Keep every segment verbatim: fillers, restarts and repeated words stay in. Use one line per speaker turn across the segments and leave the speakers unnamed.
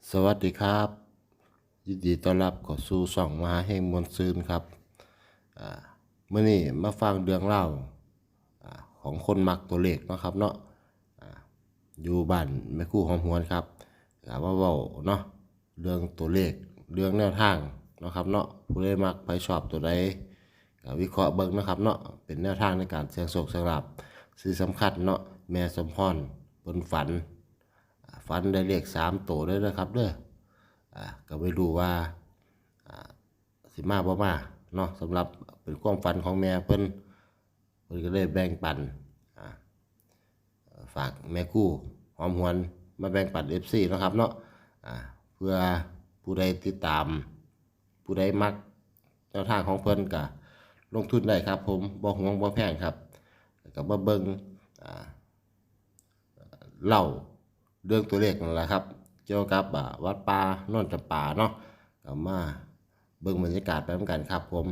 สวัสดีครับยินดีต้อนรับเข้าสู่ช่องมหาเฮงมวลซืนครับอ่ามื้อนี้มาฟังเรื่องเล่าอ่าของคนมักตัวเลขเนาะครับเนาะอ่าอยู่บ้านแม่ครู่หอมหวนครับก็มาเว้าเนาะเรื่องตัวเลขเรื่องแนวทางเนาะครับเนาะผู้ใดมักไปชอบตัวใดก็วิเคราะห์เบิ่งนะครับเนาะเป็นแนวทางในการเสี่ยงโชคเสี่ยงลาภสิ่งสำคัญเนาะแม่สมพรเพิ่นฝันฝันได้เลขสามตัวเด้อนะครับเด้อ อ่าก็ไม่รู้ว่าอ่าสิมาบ่มาเนาะสำหรับเป็นความฝันของแม่เพิ่นเพิ่นก็เลยแบ่งปันอ่าฝากแม่กู้หอมหวนมาแบ่งปัน เอฟ ซี เนาะครับเนาะอ่าเพื่อผู้ใดติดตามผู้ใดมักแนวทางของเพิ่นก็ลงทุนได้ครับผมบ่ห่วงบ่แพงครับก็มาเบิ่งอ่าเล่าเรื่องตัวเลขนั่นแหละครับ เกี่ยวกับวัดป่าโน่นจำปาเนาะก็มาเบิ่งบรรยากาศไปเหมือนกันครับผม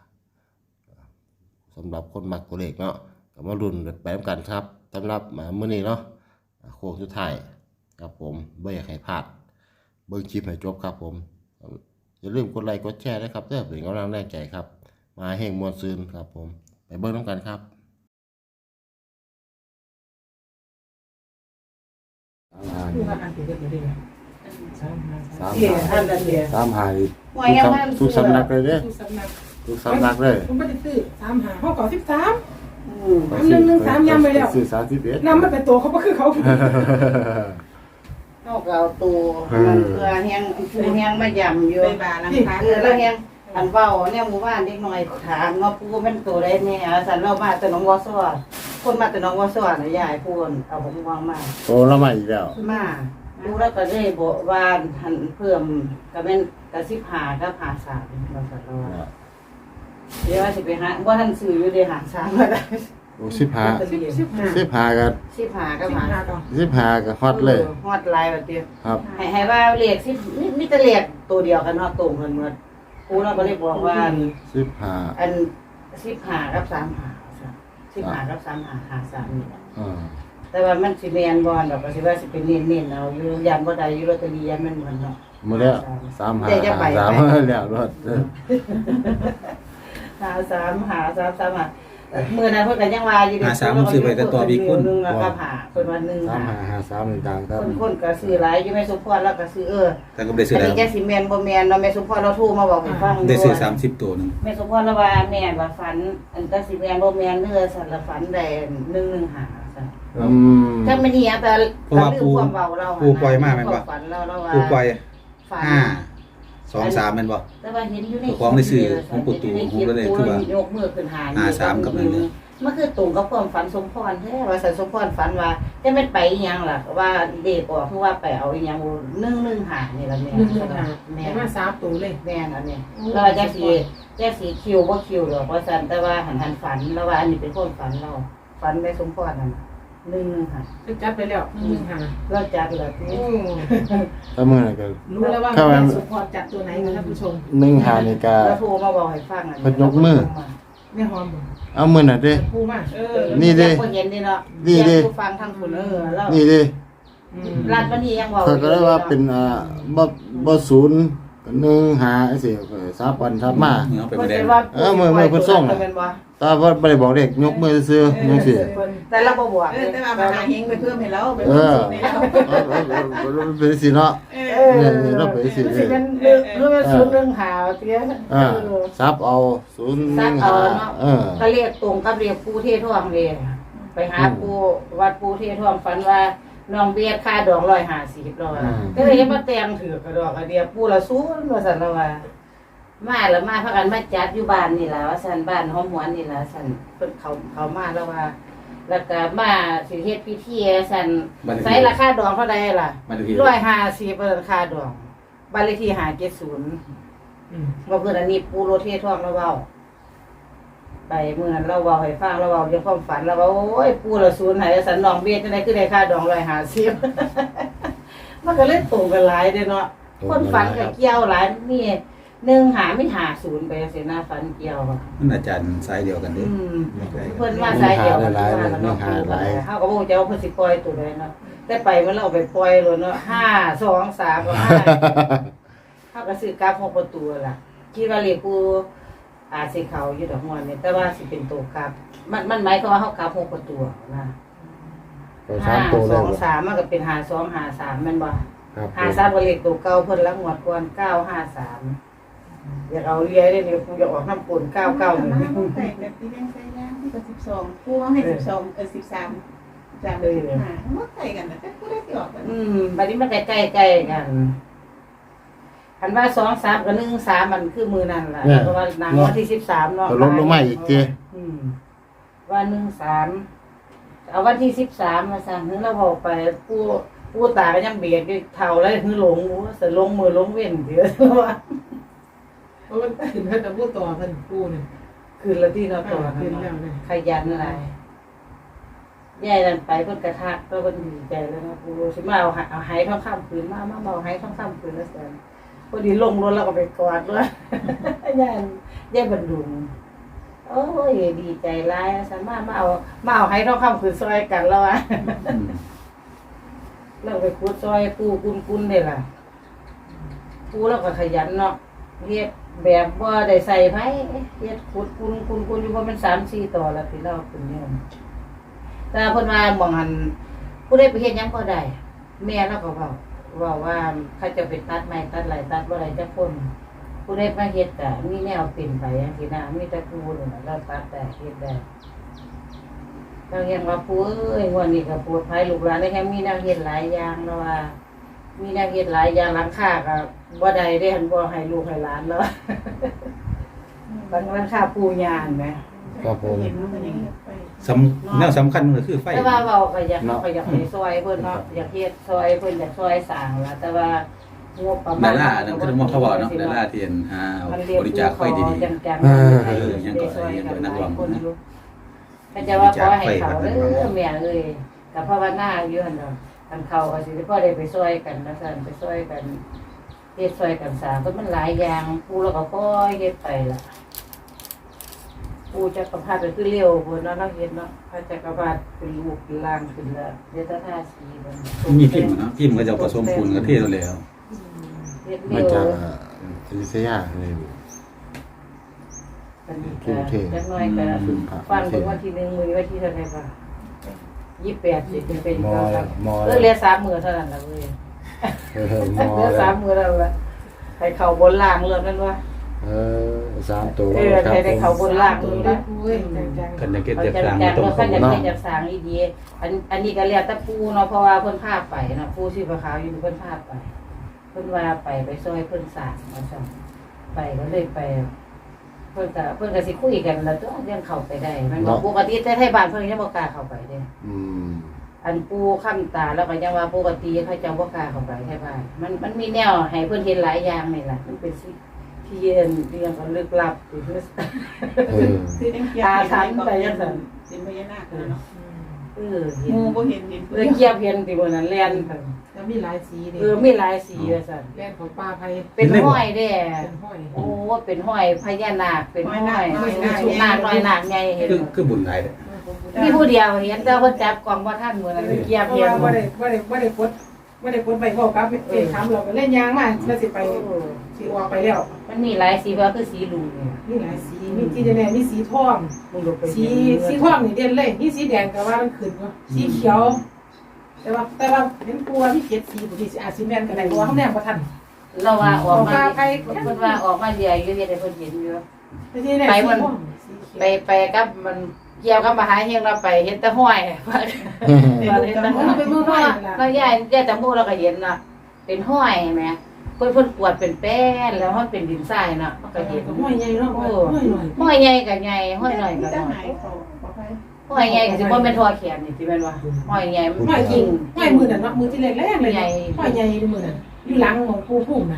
สำหรับคนมักตัวเลขเนาะก็มาลุ้นไปเหมือนกันครับสำหรับมื้อนี้เนาะโค้งสุดท้ายครับผมบ่อยากให้พลาดเบิ่งคลิปให้จบครับผมอย่าลืมกดไลค์กดแชร์ด้วยครับเพื่อเป็นกำลังแรงใจครับมาแห่งมวลซืนครับผมไปเบิ่งน้ำกันครับ
ผู้ว่าอ่านเป็นเด็กไม่ได้ไหมสามห้า
สาม
เดี๋ยวอ่านกันเดี๋ยว
สามหายทุกสำนักเลยเด้อ
ทุกสำนัก
ทุกสำนักเลย
ผมไม่ได้ซื้อสามหาห้องเก่าสิบสามสามหนึ่งหนึ่งสามยำไปแล้ว
สื่อสารที่เบ็ด
นำมันเป็นตัวเขาก็คือเขา
นอกเราตัวมันเพื่อแฮงเพื่อแฮงมายำอยู่
ไปบาลังคา
เออแล้วแฮงอันเว้าเนี่ยหมู่บ้านเด็กน้อยถามเนาะผู้เป็นตัวใดแน่สันเรามาแต่น้องวอซ้อคนมาแต่น้องวอซ้อน่ะยายพูนเอาผมวางมา
โตแล้วมาอีกแล้ว
มาดูแล้วก็ได้บอกว่าหันเพิ่มก็เป็นกระสิบหากับหาสามว่าซั่นเราว่าเดี๋ยวว่าสิไปหาบ่ทันซื้ออยู่ได้หาสามก็ได้
โอ้สิบห้า
สิบสิบห้า
สิบห้ากับ
สิบหากับ
สิบ
หา
ห้าต่อ
สิบห้ากับฮอตเลย
ฮอดไลน์ว่าติ
ครับ
ให้ให้ว่าเลขสิมีมีแต่เลขตัวเดียวกันเนาะตรงกันหมดครูเราก็เลยบอกว่า
สิบห้า
อันสิบหากับสามหาสิบหากับสามหาหาสามนี่แหละ
อ่า
แต่ว่ามันสิแมนบอลดอกก็สิว่าสิเป็นเน้นๆเอาอยู่ยันบ่ได้อยู่ลอตเตอรี่ยันมันเหมือนเนาะ
หมาแล้วสามห้า
แต่จะไป
สาม
ไป
แล้วรถเออ
หาสามหาสามสามหามื้อนั้นเพิ่นก็ยังว่าอยู่
หาสามผมซื้อไว้แต่ตัวบิ๊กคุณ
หนึงแล้วก็หาเพิ่นว่าหนึ่ง
สาม
หา
ห้าห้าสามนี่ดังครับ
คนคนก็ซื้อหลายอยู่แม่สุพรแล้วก็ซื้อเออ
แต่ก็ได้ซื้อ
อัน
แล้ว
นี้จะสิแม่นบ่แม่นเนาะแม่สุพรเราโทรมาบอกให้ฟัง
ได้ซื้อ
ด้วย
สามสิบตัวหนึง
แม่สมพรละว่าแม่ว่าฝัน อันก็สิแม่นบ่แม่นเด้อสันละฝันได้หนึ่งหนึ่งหาซั่น
อืม
ถ้ามันนี่แต่
เพราะว่า
แต่
ปู
ความเว้าเรา
ปูปล่อยมาแม่นบ่
ฝันเราเราว่า
ผู้ปล่อย
ฝัน
ห้าสองสามแม่นบ่
แต่ว่าเห็นอยู่ใน
ของในสื่อของปู่ตู่ผมก็เลยคือว่า
ยกมือขึ้นหา
ห้าสามกับหนึ่งหนึ่ง
มันคือตรงกับความฝันสมพรแท้ว่าสันสมพรฝันว่าจะแม่นไปอีหยังล่ะว่าเด็กออกคือว่าไปเอาอีหยังหนึ่งหนึ่งหานี่ล่ะแม่
หนึ่งหนึ่งห้า
แม่
แม่มาสามตัวเลย
แม่นอันนี้แล้วว่าจักสิจักสิคิวบ่คิวดอกว่าซั่นแต่ว่าหันหันฝันแล้วว่าอันนี้เป็นความฝันเราฝันแม่สมพรนั่นน่ะหนึ่งหนึ่งหา
ไปจับไปแล้วหนึ่งหนึ่งห้า
เราจัดเลยที่
โอ้
ถ้ามื่อไหร่ก็
รู้แล้วว่า
เข้ามา
แม่สุพรจัดตัวไหนนะท่านผู้ชม
หนึ่งหานี่ก็
เราโทรมาบอกให้ฟังอัน
เพิ่นยกมือ
แม่หอมบ่
เอามือน่ะเด้
ผู้มาเออ
นี่ดิ
คนเห็นดิเนาะ
นี่ดิ
อยากผู้ฟังทั้งคุณเออแล้ว
นี่ดิ
อืม
รัฐวันนี้ยังบอก
เขาก็ได้ว่าเป็นอ่าบ่บ่ศูนย์ก็หนึ่งหาจังซี่ก็สามวันทับมา
เนื้อไป
เพิ่
บ่
น
ได้
สิว่า
เออมือมือเพิ่นส่งน่ะ
เป็นบ่
แต่ว่าบ่ได้บอกเลขยกมือซื่อๆจังซี่
แต่เราบ่บอก
เออแต่ว่ามาหาเฮงไปเพิ่มให้เราไป
เอ
เพิ่ม
อ
สูตรให้เรา
เออเออเออเออมันเป็นสิเนาะ
เอ
เอ
อ
อ
นี่เราไปสิ
มันสิเป็นเรื่องเรื่องศูนย์เรื่องหาวเตี้ย
อ่า
เออ
ซับเอาศูนย์ห
ซั
นึ่
ก
ง
เอา
ห้า
เนาะ
เออ
ก็เรียกตรงกับเรียกปูเทท่วงเลยไปหาปูวัดปูเทท่วงฝันว่าน้องเบียดค่าดอกร้อยห้าสิบร้อยก็เลยมาแต่งถือกระดอกกระเดียปูละศูนย์ว่าสันละว่ามาแล้วมาพากันมาจัดอยู่บ้านนี่ล่ะว่าสันบ้านหอมหวนนี่ล่ะสันเพิ่นเขาเขามาแล้วว่า แล้วก็มาสิเฮ็ดพิธีสันใส่ราคาดอกเท่าใดล่ะ
มาดูที
ร้อยห้าสิบราคาดอกบ้านเลขที่ห้าเจ็ดศูนย์
อืม
ว่าเพื่อนอันนี้ปูโรเทท่องเราเว้าไปเมื่อนั้นเราเว้าให้ฟังเราเว้าเรื่องความฝันเราว่าโอ้ยปูละศูนย์ไหนสันน้องเบี้ยจังได๋คือได้ค่าดองร้อยห้าสิบ มันก็เลยตรงกันหลายเด้เนาะคนฝันก็เกี่ยวหลายนี่หนึ่งหาไม่หาศูนย์ไปเสียหน้าฟันเกี่ยวอะ
มันอาจารย์สายเดียวกันเด้
อืม
ไม่ใช่
เพิ่นมาสายเดียวกันว่าแล้วเนาะเฮาก็บ่รู้จะเอาเพิ่นสิปล่อยตัวใดเนาะแต่ไปมันเราเอาไปปล่อยโลดเนาะห้า สอง สามกับห้าเฮาก็ซื้อกราฟหกประตูล่ะคิดว่าเลขกูอาจสิเข้าอยู่ดอกม่วนนี่แต่ว่าสิเป็นตัวกราฟมันมันหมายความว่าเฮากราฟหกประตูนะ
ตัว
ห้า
สามตัว
ส
เลย
อง
บ่
สามมันก็เป็นห้าสองห้าสามแม่นบ่
ครับ
ห้าสามก็เลขตัวเก่าเพิ่นละงวดก่อนเก้าห้าสามอยากเอาเรียได้เนี่ยกูอยากออกน้ำปนเก้าเก้าหนึ่ง
ใส่แบบที่แดงใส่ย่างที่กับสิบสองพวงให้สิบสองเออสิบสามจามสิบห้ามันใส่กันนะแต่กูได้ที่ออกกัน
อืมบัดนี้มันใกล้ๆกันคันว่าสองสามกับหนึ่งสามมันคือมือนั่นล่ะเพราะว่าหนังวันที่สิบสามเนาะ
ก็ลดลงมาอีกเจ้
อืมว่าหนึ่งสามเอาวันที่สิบสามมาสั่งถึงเราบอกไปผู้ผู้ตาก็ยังเบียดด้วยเท่าแล้วคือหลงว่าจะลงมือลงเว้นเดี๋ยวว่า
เพราะมันขึ้นเพิ่นจะพูดต่อเพิ่นปูนี่
คืนละที่เราต่อ
ขึ้นแล้วเนี่ย
ขยันอะไรยายนั่นไปเพิ่นกระทักเพิ่นดีใจแล้วนะปูสิมาเอาเอาหายทองคำคืนมามาเอาหายทองคำคืนแล้วแสนพอดีลงรถแล้วก็ไปกอดด้วย ยายยายบรรดุงโอ้ยดีใจร้ายสามารถมาเอามาเอาหายทองคำคืนซอยกันแล้วอ่ะ
อืม
เราไปขุดซอยปูกุนกุนเลยล่ะปูแล้วก็ขยันเนาะเฮ็ดแบบว่าได้ใส่ไผเฮ็ดขุดกุนกุนกุนอยู่ว่ามันสามสี่ต่อแล้วที่เราเป็นเนี่ยแต่เพิ่นว่าหม่องหันผู้ใดไปเฮ็ดหยังบ่ได้แม่เราก็เว้าเว้าว่าเขาจะไปตัดไม้ตัดไหลตัดบ่ได้จักคนผู้ใดมาเฮ็ดก็มีแนวเป็นไปจังซี่นะมีแต่ปูนี่ล่ะเราตัดได้เฮ็ดได้เราเรียนว่าปูเอ้ยวันนี้ก็ปวดภัยลูกหลานได้แค่มีแนวเฮ็ดหลายอย่างแล้วว่า มีแนวเฮ็ดหลายอย่างหลังคาก็บ่ได้ได้หันบ่ให้ลูกให้หลานแล้ว บางหลังคาปูยานแหม
ครับผม
เห็นมันยังไป
สำแนวสำคัญมันก็คือไฟ
แต่ว่าเว้าก็อยากก็อยากให้ซอยเพิ่นเนาะอยากเฮ็ดซอยเพิ่นอยากซอยสร้างล่ะแต่ว่างบประมา
ดา
ณ
รานั่นคือมองเขาบอกเนาะดาราที่เห็นหาเอา
มันเรียก
บริจาคไฟดี
จัง
เออ
ๆให้ได้ซอยกันหลายคนอยู่ก็จะว่าขอให้เขาเด้อแม่เอ้ยก็ภาวนาอยู่หั่นเนาะคันเขาก็สิได้พอได้ไปซอยกันนะซั่นไปซอยกันเฮ็ดซอยกันสร้างก็มันหลายอย่างปูแล้วก็ค่อยเฮ็ดไปล่ะปูจักรพรรดิก็คือเร็วพุ่นเนาะเราเฮ็ดเนาะพระจักรพรรดิเป็นลูกเป็นหลานขึ้นแล้วเดี๋ยวถ้าท่าสีมัน
ๆมีพิมพ์เนาะพิมพ์ก็จะผสมปูนกับเทศแล้ว
เฮ็ด
มา
เร็ว
จากอยุธยาเลย
กันนี่ก็จักหน่อยก็ฟังเบิ่งวันที่หนึ่งมื้อวันที่เท่าไหร่บ่ยี่สิบแปดสิเป็นเป็น
มอ
ก็
มอ
เออเหลือสามมื้อเท่านั้นล่ะเว้ย
เออมอ
เหลือสามมื้อแล้วล่ะให้เข้าบนล่างเรื่องนั้นว่า
เออสามตัว
เออให้ได้เข้าบนล่างเลยนะ
ปูเอ้ยจัง
กันจะเก็บ
เอา
จะ
จั
ก
ง
ลาง
จัง
ต้อง
แล้ว
เขา
ก็จะ
เนาะ
เป็นจังสร้างอีดีอันอันนี้ก็แล้วแต่ปู่เนาะเพราะว่าเพิ่นพาไปเนาะปู่ชื่อพระขาวอยู่เพิ่นพาไป เพิ่นว่าไปไปซอยเพิ่นสร้างว่าซั่นไปก็เลยไป เพิ่นก็เพิ่นก็สิคุยกันแล้วตัวยังเข้าไปได้ มันบ่ปกติแต่ไทบ้านเพิ่นยังบ่กล้าเข้าไปเด้
อืม
อันปู่ค้ำตาแล้วก็ยังว่าปกติเขาเจ้าบ่กล้าเข้าไปไทบ้านมันมันมีแนวให้เพิ่นเห็นหลายอย่างนี่ล่ะมันเป็นสิที่เรียนเรื่องก็ลึกลับที่คือ
เออ
คือยังเกียร์สินพญานาคเนาะ
เออเห็น
งูบ่เห็นเห็น
เออเกียบเห็นที่มื้อนั้นแล่นเพิ่น
แล้วมีหลายสีนี่
เออมีหลายสีว่าซั่น
แล่นของป้าไผ
เป็นห้อยแด้
เป็นห้อย
โอ้เป็นห้อยพญานาคเป็นห้อยชุกนาคน้อยนาคใหญ่เห็น
คือคือบุญหลายเด้อ
มีผู้เดียวเห็นแต่ว่าจับกล่องว่าท่านเหมือนอะไรเกียบ
เพราะ
เพีย
ว่าง บ่ได้บ่ได้บ่ได้กดบ่ได้กดไปบอกกับเอ้ถามเราก็เล่นยางมาแล้วสิไปสิออกไปแล้ว
มันมีหลายสีว่าคือสีลุงเนี่ย
มีหลายสีมีที่แน่ๆมีสีทอง
มึงดูไป
สีสีทองนี่เด่นเลยมีสีแดงแต่ว่ามันขึ้นเนาะสีเขียว แต่ว่าแต่ว่าเห็นกลัวมีเจ็ดสีบ่ที่อาจสิแม่นก็ได้เพราะว่าเขาแนมบ่ทัน
เราว่าออกมา
ปลาไผ่
เพิ่นว่าออกมาเรียอยู่เฮ็ดให้เพิ่นเห็นอยู่
แต่ที่แน่
ไป
สี
มัน
ม่วงสีเขียว
ไปไปกับมันเกี่ยวกับมหาเฮงเราไปเห็นแต่ห้อยว่าเห็นแต่ห้อยเราย่ายย่ายจมูกเราก็เห็นน่ะเป็นห้อยแหมเพิ่นเพิ่นกวดเป็นแป้นแล้วมันเป็นดินทรายน่ะมันก็เห็น
ห้อยใหญ่เนาะห้อยหน่อย
ห้อยใหญ่ก็ใหญ่ห้อยน้อยก็
จะ
น้อ
หาย ยเขาบอกไป
ห้อยใหญ่ก็สิบ่แม่นทอแขนนี่สิแม่นว่าห้อยใหญ่มัน
ห้อยจ
จ
ริ
ริ
ง
ง
ห้อยมือนั่นเนาะมือที่แรกๆเลยห้อยใหญ่มือนั่นอยู่หลังของปูพุ่มน่ะ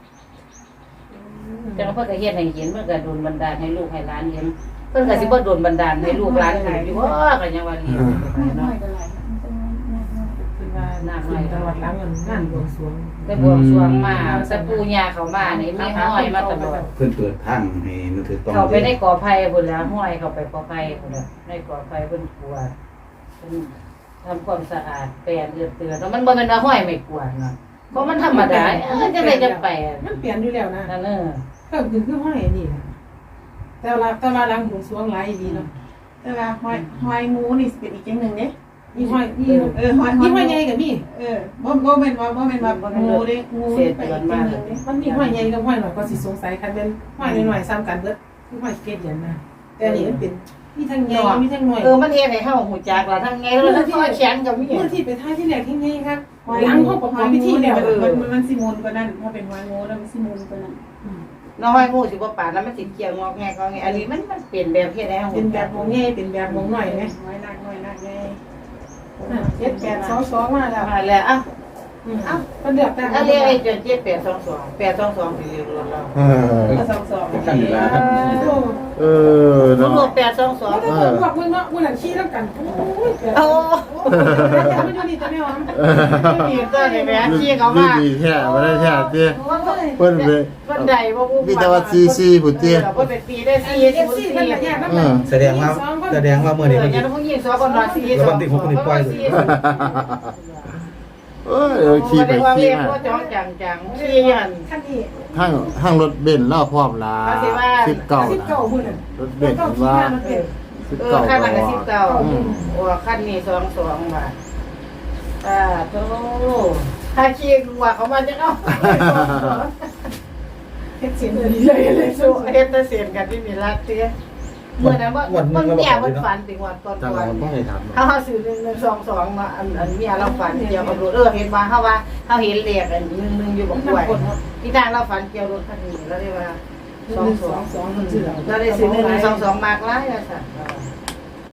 แต่ว่าเพิ่นก็เฮ็ดให้เห็นมันก็โดนบันดาลให้ลูกให้หลานเห็นเพิ่นก็สิบ่โดนบันดาลให้ลูกหลานเห็นอยู่ว่าก็ยังว่าเรียนไป
หน่
เนาะ
อยก็หลายมันจะ
คือว่า
น้ำ
ขึ้
น้อน ย
ตลอดหลังเงินงานบวงสรวง
แต่บวงสรวงมาแต่ปู่ย่าเขามานี่มีห้อยมาตลอด
เพิ่นเปิดทางให้นึกถึงต้อง
เขาไปในกอไผ่พุ่นแล้วห้อยเขาไปกอไผ่พุ่นแล้วในกอไผ่เพิ่นกวาดเพิ่นทำความสะอาดแปรงเอือดเตือนแล้วมันบ่แม่นว่าห้อยไม่กวาดเนาะเพราะมันธรรมดาเออจะได้จะแปลง
มันเปลี่ยนอยู่แล้วนะ
นั่นเออ
ก็คือคือห้อยนี่นะแต่ว่าแต่ว่าหลังบวงสรวงหลายดีเนาะ
แต่ว่าหอยหอยงูนี่สิเป็นอีกอย่างหนึ่งเด้
มีห้อยมี
เออหอยห
มี
อย
ห้อยใหญ่กับมี
เออบ่บ่แม่นว่าบ่แม่นว่างูเด้งูนี่ไปอีกอย่างหนึ่งเด้
มันมีห้อยใหญ่กับห้อยหน่อยก็สิสงสัยคันเป็นห้อยหน่อยๆซ้ำกันเบิดคือห้อยเกศเหรียญนะแต่อันนี้มันเป็นมีทั้งใหญ่มีทั้งหน่อย
เออมันเฮ็ดให้เฮาฮู้จักว่าทั้งไงแล้วทั้งข้อแขนก็มี
เมื่อที่ไปท่าที่แรกที่ไงครับ
หอย
หลัง
งู
เขาประก
ห
อ
อบ ย
พิ
งู
ธี
เนี่
แล้
ยว มันมันมันสิมูลกว่านั้นถ้าเป็นหอยงูแล้วมันสิมูลกว่านั้น
น้อยงูสิบ่ปานนั้นมันสิเกี่ยวงอกแงกงอแงอันนี้มันมันเปลี่ยนแบบเฮ็ดให้เฮา
เป็นแบบมองใหญ่เป็นแบบมองหน่อยไหม
หอยนักหอยนักไง
เจ็ดแปดสองสองมาแล้ว
มาแล้วอ่ะ
เอ้าเป็นเดือดแต่
ถ้าเรียกไอ้เจ็ดเจ็ดแปดสองสองแปดสองสองสิเรียกรถเรา
เออ
ก็สองสอง
ขั้นเวลาครับ
เออ
รว
เนาะ
มแปดสองสอง
แล้วก็พวกมึงเนาะมึงหลังขี้แล้วกันโอ้ยเกิด
โอ้
ไม่ดูนี่จะไม่หอม
ดีก็ได้แม่ชี้เขา
ดี
มา
ดีแท้บ่ได้แท้ติ
เพิ่นเพิ่นใดบ่ฮู้
มีแต่ว่าซีซีพุ่นติ
เพิ่นเป็นปีได้สี่
เอฟซีมันละแยกน้ำ
เอ
มัน
อ
แสดงว่าแสดงว่า
เอ
เมื่อ
อ
นี้
อ
เพิ่น
ย่างนั้นพวกยิงสองคนนอนสี่
แล้ววันที่หกคนนี้ปล่อยเลย
เอ้ยเอาขี่ไปขี่มา
ก็จ้องจังจังขี่ยัน
ขั้นนี้
ทางทางรถเบนซ์เล่าพร้อมล่ะ
เอาสิว่า
สิบเก้า
สิบ
นะ
เก้าบุญอ่ะ
รถเบนซ์ว่าสิบ
เออ
เก้า
ขั้น
ก็
นั้นก็
ว่า
สิบเก้าโอ้ขั้นนี้สองสองบาทอ่าโธ่ถ้าขี่ว่าเขามาจะเอา
เฮ็ดเสียงเลยเลยเลย
สู้เฮ็ดแต่เสียนกันที่มีรักเตี้ยเมื่อนั้นว่ามันแย่มันฝันถึงวันตอน
จัง
ก่อน
บ่ให้ถาม
เขาเขาซื้อหนึ่งหนึ่งสองสองมาอันอันเมียเราฝันเกี่ยวกับรถเออเห็นว่าเขาว่าเขาเห็นเลขอันหนึ่งหนึ่งอยู่บนกล้วยที่ทางเราฝันเกี่ยวรถคันนี้แล้วได้ว่า
สองสองสองมันเสือ
เราได้ซื้อหนึ่งหนึ่งสองสองมากหลายอะสัตว์